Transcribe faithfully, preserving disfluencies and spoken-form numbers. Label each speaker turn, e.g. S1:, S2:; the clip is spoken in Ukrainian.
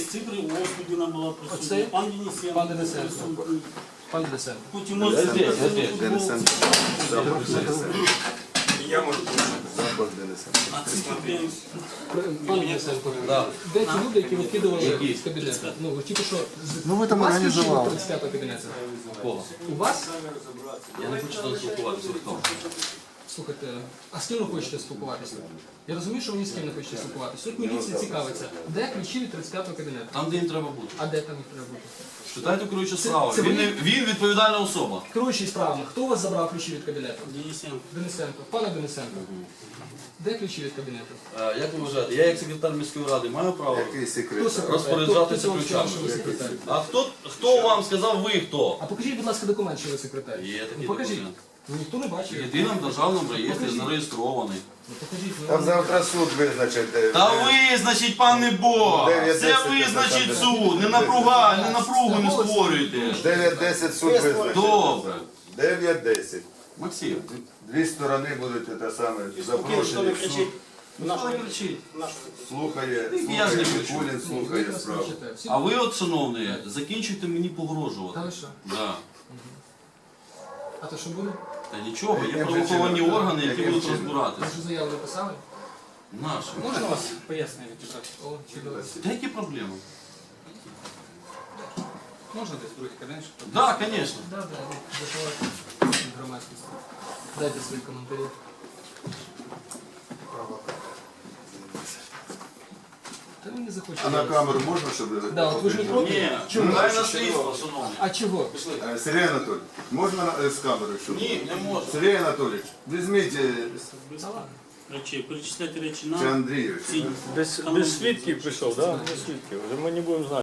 S1: цифри, ось людина була присутня.
S2: Оцей?
S1: Пан Денисенко.
S2: Пан Денисенко.
S1: присутній.
S2: Пан Денисенко.
S1: Потім може
S3: Денисенко. Запах Денисенко.
S4: Я можу.
S3: Запах Денисенко.
S1: А цифри
S2: Пан Денисенко. Де ті люди, які викидували з кабінету? Ну, ви тільки що з-
S3: Ну, ви там
S2: у вас
S3: організували.
S2: ключі від тридцять п'ятого кабінету?
S5: Кого?
S2: У вас?
S5: Я не хочу там спілкуватися. Хто?
S2: Слухайте, а з ким ви хочете спілкуватися? Я розумію, що ви ні з ким не хочете спілкуватися. Тут міліція цікавиться. Де ключі від тридцять п'ятого кабінету?
S5: Там, де їм треба бути.
S2: А де там їх треба бути?
S5: Читайте керуючу справу.
S2: це
S5: Він,
S2: ви?
S5: не- він відповідальна особа.
S2: Керуючий справами. Хто у вас забрав ключі від кабінету?
S1: Денисенко.
S2: Денисенко. Пане Денисенко. Де ключі від кабінету?
S5: Е, Як ви вважаєте, я як секретар міської ради маю право?
S3: Який
S2: Хто
S3: секрет?
S2: секретар?
S5: Розпоряджатися
S2: Хто- хто сказав,
S5: ключами.
S2: що ви секретар?
S5: А хто, хто вам сказав, ви хто?
S2: А покажіть, будь ласка, документ, що ви секретар.
S5: Є такий
S2: Ну, покажіть.
S5: документ.
S2: Ну, ніхто не
S5: В
S2: бачив.
S5: єдиному державному реєстрі
S2: Покажіть.
S5: зареєстрований.
S2: Ну, покажіть. Ну,
S3: Там завтра суд визначить. де-
S5: Та
S3: де-
S5: визначить, пане Бог!
S3: дев'ять
S5: Це
S3: десять
S5: визначить
S3: там,
S5: суд! Не напруга, не напругу не створюйте!
S3: дев'ять десять суд визначить.
S5: Добре.
S3: дев'ять десять.
S5: Максим,
S3: Дві сторони будуть те саме
S1: Спокійно, що не
S3: запрошені в суд.
S1: кричить.
S5: хто не кричить?
S3: Слухає,
S5: Я ж не
S3: слухає,
S5: кричу.
S3: Кулін
S2: ну, ви
S3: слухає
S2: якраз
S3: справу.
S2: кричите. Всі-
S5: А ви от, шановні, закінчуйте мені
S2: Та
S5: погрожувати.
S2: ви що?
S5: Да.
S2: А то що буде?
S5: Та нічого, є
S3: Яким
S5: правоохоронні
S3: чином?
S5: органи, які
S3: Яким
S5: будуть
S3: чином?
S2: Ви
S5: розбиратися.
S2: ж заяву написали?
S5: Наші.
S1: Можна вас пояснити?
S2: О, чудово.
S5: Та які проблеми?
S1: Можна десь другий кабінет? щоб-
S5: Так, да, звісно.
S2: Да, да, ну, заховайте громадськість. Дайте свої коментарі. Та ви не захочете.
S3: А на камеру можна, щоб...
S2: Да, от ви ж не проти?
S5: Ні,
S2: Чому?
S5: дай на слідство, шановні.
S2: А чого?
S3: Е, Сергій Анатолійович, можна е, з камерою? щоб-
S5: Ні, не можна.
S3: Сергій Анатолійович, візьміть е,
S2: Та ладно.
S1: Речі, перечисляти речі
S3: чи
S1: на
S3: Андрійович.
S1: ці.
S6: Без, без свідків прийшов, да? Без свідків. Ми не будемо знати.